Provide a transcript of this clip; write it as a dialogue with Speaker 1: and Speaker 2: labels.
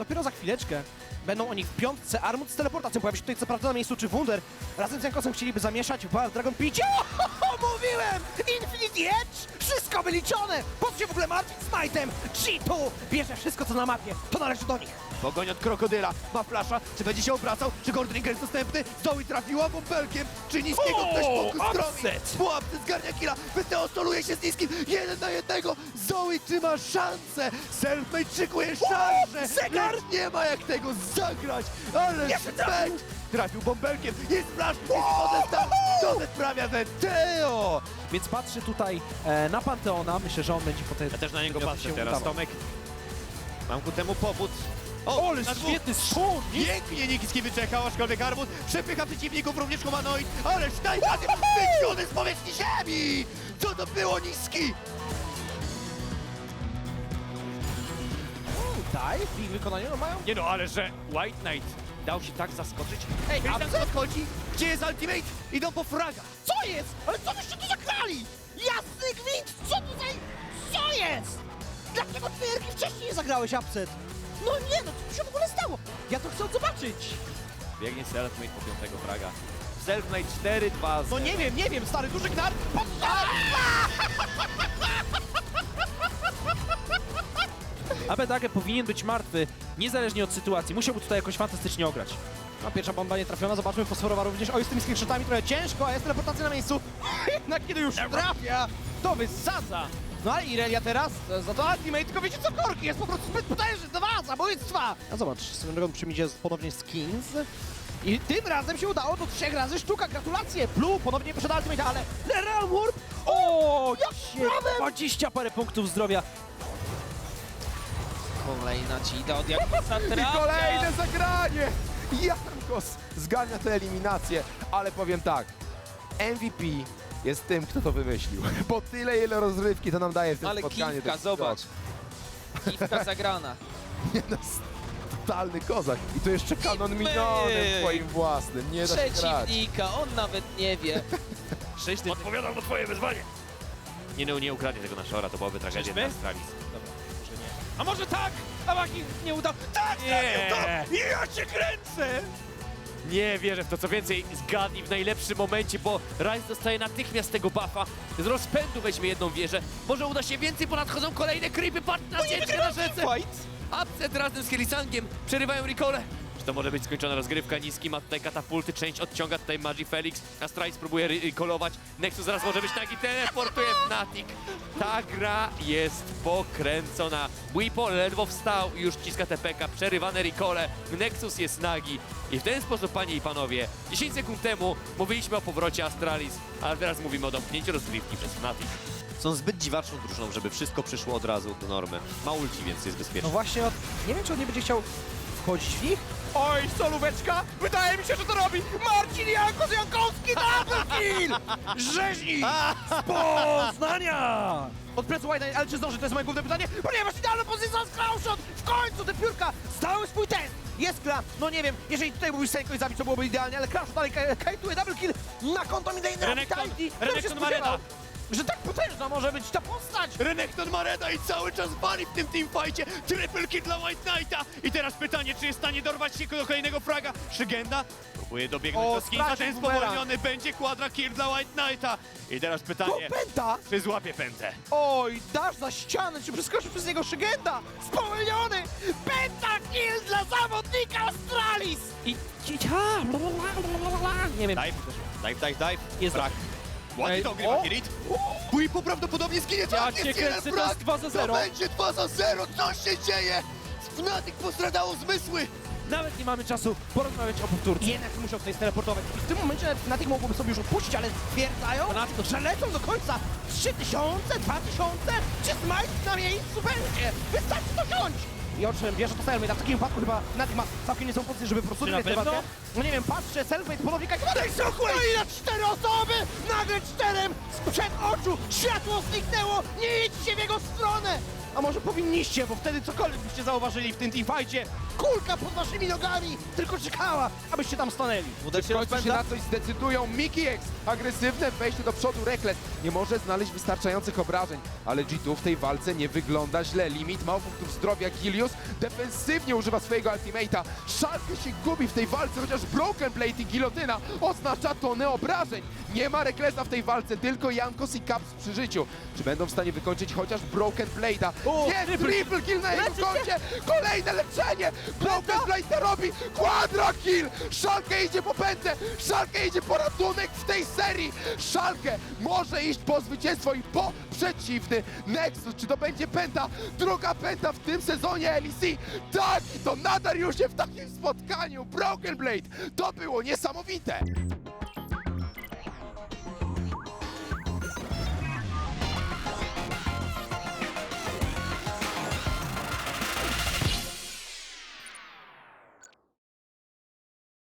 Speaker 1: dopiero za chwileczkę. Będą oni w piątce. Armut z teleportacją pojawi się tutaj co prawda na miejscu, czy Wunder. Razem z Jankosem chcieliby zamieszać w Dragon Picie. Mówiłem! Infinity Edge! Wszystko wyliczone! Po co się w ogóle martwić z Knightem? G2 bierze wszystko co na mapie. To należy do nich.
Speaker 2: Pogoń od krokodyla, ma flasza, czy będzie się obracał, czy Gordon jest dostępny, Zoe trafiła bąbelkiem, czy niskiego ktoś mógł stromić, pułapce zgarnia killa, Wyteo soluje się z niskim, 1 na 1, Zoe trzyma szansę, Selfmade szykuje szarże,
Speaker 1: zegar!
Speaker 2: lecz nie ma jak tego zagrać, ale Selfmade trafił bąbelkiem, jest flash, jest wodę tam, to sprawia Wyteo!
Speaker 1: Więc patrzy tutaj na Panteona. Myślę, że on będzie potem...
Speaker 3: Ja też na niego
Speaker 1: się
Speaker 3: patrzę teraz,
Speaker 1: udawał.
Speaker 3: Tomek. Mam ku temu powód.
Speaker 1: O, ale
Speaker 3: na dwóch.
Speaker 1: świetny strzał!
Speaker 3: Pięknie Nikiski wyczekał, aczkolwiek Armut przepycha przeciwników, również humanoid, ale Steiner wyciągnięty z powierzchni ziemi!
Speaker 2: Co to było niski?
Speaker 1: Daj, w ich wykonaniu no mają...
Speaker 3: Nie no, ale że White Knight dał się tak zaskoczyć.
Speaker 2: Ej, a
Speaker 3: tam
Speaker 2: co chodzi? Gdzie jest ultimate? Idą po fraga!
Speaker 1: Co jest? Ale co byście tu zagrali? Jasny gwint! Co tutaj? Co jest? Dlaczego twoje wcześniej nie zagrałeś, Upset? No nie, no co tu się w ogóle stało? Ja to chcę zobaczyć!
Speaker 3: Biegnie Selfmade po 5. fraga. Selfmade 4-2.
Speaker 1: No nie wiem, stary, duży gnar! Abedage powinien być martwy, niezależnie od sytuacji. Musiałby tutaj jakoś fantastycznie ograć. No, pierwsza bomba nie trafiona, zobaczmy, fosforowa również. Oj, z tymi screenshotami trochę ciężko, a jest teleportacja na miejscu. Jednak kiedy już trafia, to wysadza. No ale Irelia teraz, za to ultimate, tylko wiecie co, Korki jest po prostu zbyt potężny, 2 zabójstwa. A zobacz, swoją drogą przyjdzie ponownie skins. I tym razem się udało do 3 razy sztuka, gratulacje! Blue ponownie przed ultimate, ale Realm Warp! O, jak się 20 parę punktów zdrowia.
Speaker 4: Kolejna cheata od Jankosa
Speaker 2: I
Speaker 4: trafia.
Speaker 2: kolejne zagranie! Jankos zgarnia tę eliminację, ale powiem tak, MVP jest tym, kto to wymyślił, bo tyle ile rozrywki to nam daje w tym
Speaker 4: Ale
Speaker 2: spotkaniu.
Speaker 4: kiwka,
Speaker 2: to
Speaker 4: zobacz. Kiwka zagrana.
Speaker 2: Nie no, totalny kozak. I to jeszcze kanon minionem swoim własnym, nie da się grać.
Speaker 4: Przeciwnika, on nawet nie wie.
Speaker 3: 6 Odpowiadam na twoje wyzwanie. Nie ukradnie tego na Shora, to byłaby tragedia
Speaker 1: Czyżby?
Speaker 3: dla Astralis.
Speaker 1: A może tak? A Maki nie udał. Tak,
Speaker 3: Nie.
Speaker 1: to! Ja cię kręcę!
Speaker 3: Nie wierzę w to, co więcej, zgadnij w najlepszym momencie, bo Ryze dostaje natychmiast tego buffa, z rozpędu weźmie jedną wieżę, może uda się więcej, bo nadchodzą kolejne creepy, patrz na sieczkę na rzece! Upset razem z Helisangiem przerywają recole. Czy to może być skończona rozgrywka? Niski ma tutaj katapulty, część odciąga tutaj Magi Felix, Astralis próbuje recolować, Nexus zaraz może być nagi, teleportuje Fnatic. Ta gra jest pokręcona. Bwipo ledwo wstał i już ciska TPK, przerywane recole, Nexus jest nagi. I w ten sposób, panie i panowie, 10 sekund temu mówiliśmy o powrocie Astralis, ale teraz mówimy o domknięciu rozgrywki przez Fnatic.
Speaker 5: Są zbyt dziwaczną drużyną, żeby wszystko przyszło od razu do normy. Ma ulti, więc jest
Speaker 1: No
Speaker 5: bezpieczny.
Speaker 1: właśnie, nie wiem, czy on nie będzie chciał wchodzić w nich. Oj, solóweczka! Wydaje mi się, że to robi Marcin Jankos Jankowski, double kill! Rzeźnik z Poznania! Od plecu White, ale czy zdąży? To jest moje główne pytanie, ponieważ idealna pozycja z Crowshot! W końcu te piórka zdały swój test! Jest gra, no nie wiem, jeżeli tutaj mógłbyś Senko i zabić, to byłoby idealnie, ale Crowshot dalej kajtuje double kill na konto Midlane'a.
Speaker 3: Renekton ma reda.
Speaker 1: Że tak potężna może być ta postać!
Speaker 3: Renekton ma reda i cały czas bali w tym teamfightie. Triple kill dla White Knighta. I teraz pytanie, czy jest w stanie dorwać się do kolejnego fraga? Szygenda próbuje dobiegnąć do skinka,
Speaker 1: stracił
Speaker 3: ten
Speaker 1: boomera.
Speaker 3: spowolniony będzie quadra kill dla White Knighta. I teraz
Speaker 1: To
Speaker 3: pytanie,
Speaker 1: pęta!
Speaker 3: czy złapie pętę?
Speaker 1: Oj, dasz za ścianę, czy przeskoczy przez niego Szygenda? Spowolniony! Pentakill dla zawodnika Astralis! Nie wiem.
Speaker 5: Dive.
Speaker 1: Jest
Speaker 5: Brak.
Speaker 3: Ładnie to ogrywa Kirit.
Speaker 2: Bwipo prawdopodobnie zginie,
Speaker 1: Ja cię kręcę, to jest 2 za 0.
Speaker 2: To będzie 2 za 0, co się dzieje? Fnatic postradało zmysły!
Speaker 1: Nawet nie mamy czasu porozmawiać o powtórce. Jednak muszą tutaj steleportować. I w tym momencie na tych mogłoby sobie już odpuścić, ale stwierdzają, że lecą do końca 3000, 2000, czy Smite na miejscu będzie. Wystarczy to wziąć. I o czym bierze to Selfmade, a w takim wypadku chyba Fnatic ma całkiem niezłą pozycję, żeby po prostu wygrać tę walkę. No nie wiem, patrzę, Selfmade ponownie kajtowane i no i na 4 osoby! Nagle 4 sprzed oczu! Światło zniknęło! Nie idźcie w jego stronę! A może powinniście, bo wtedy cokolwiek byście zauważyli w tym teamfightie. kulka pod waszymi nogami tylko czekała, abyście tam stanęli.
Speaker 4: Uda
Speaker 2: W
Speaker 4: się
Speaker 2: końcu się
Speaker 4: rozpędza.
Speaker 2: na coś zdecydują. Mickey X, agresywne wejście do przodu, Rekles nie może znaleźć wystarczających obrażeń, ale G2 w tej walce nie wygląda źle. Limit mało punktów zdrowia, Gilius defensywnie używa swojego ultimate'a. Szalkę się gubi w tej walce, chociaż Broken Blade i gilotyna oznacza tonę obrażeń. Nie ma Reklesa w tej walce, tylko Jankos i Caps przy życiu. Czy będą w stanie wykończyć chociaż Broken Blade'a? Nie, triple kill na jego koncie! Kolejne leczenie! Broken Blade to robi! Quadra kill! Szalkę idzie po pętlę! Szalkę idzie po ratunek w tej serii! Szalkę może iść po zwycięstwo i po przeciwny Nexus. Czy to będzie penta? Druga penta w tym sezonie LEC! Tak! I to na Dariusie w takim spotkaniu! Broken Blade! To było niesamowite!